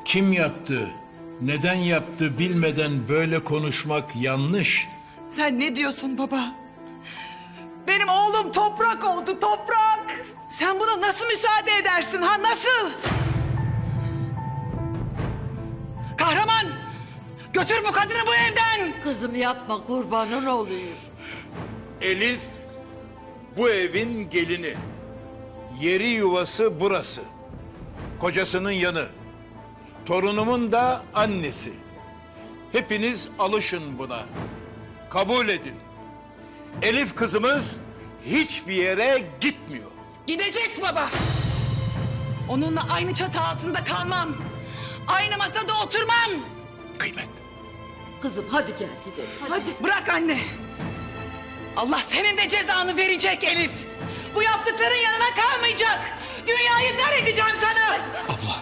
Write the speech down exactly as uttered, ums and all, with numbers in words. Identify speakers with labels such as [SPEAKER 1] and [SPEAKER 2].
[SPEAKER 1] Kim yaptı, neden yaptı bilmeden böyle konuşmak yanlış.
[SPEAKER 2] Sen ne diyorsun baba? Benim oğlum toprak oldu, toprak. Sen buna nasıl müsaade edersin ha, nasıl? Kahraman! Götür bu kadını bu evden!
[SPEAKER 3] Kızım yapma, kurbanın olayım.
[SPEAKER 1] Elif bu evin gelini. Yeri yuvası burası. Kocasının yanı. Torunumun da annesi. Hepiniz alışın buna. Kabul edin. Elif kızımız hiçbir yere gitmiyor.
[SPEAKER 2] Gidecek baba. Onunla aynı çatı altında kalmam. Aynı masada oturmam.
[SPEAKER 1] Kıymet.
[SPEAKER 3] Kızım hadi gel gidelim. Hadi.
[SPEAKER 2] Hadi bırak anne. Allah senin de cezanı verecek Elif. Bu yaptıkların yanına kalmayacak. Dünyayı dar edeceğim sana.
[SPEAKER 1] Abla.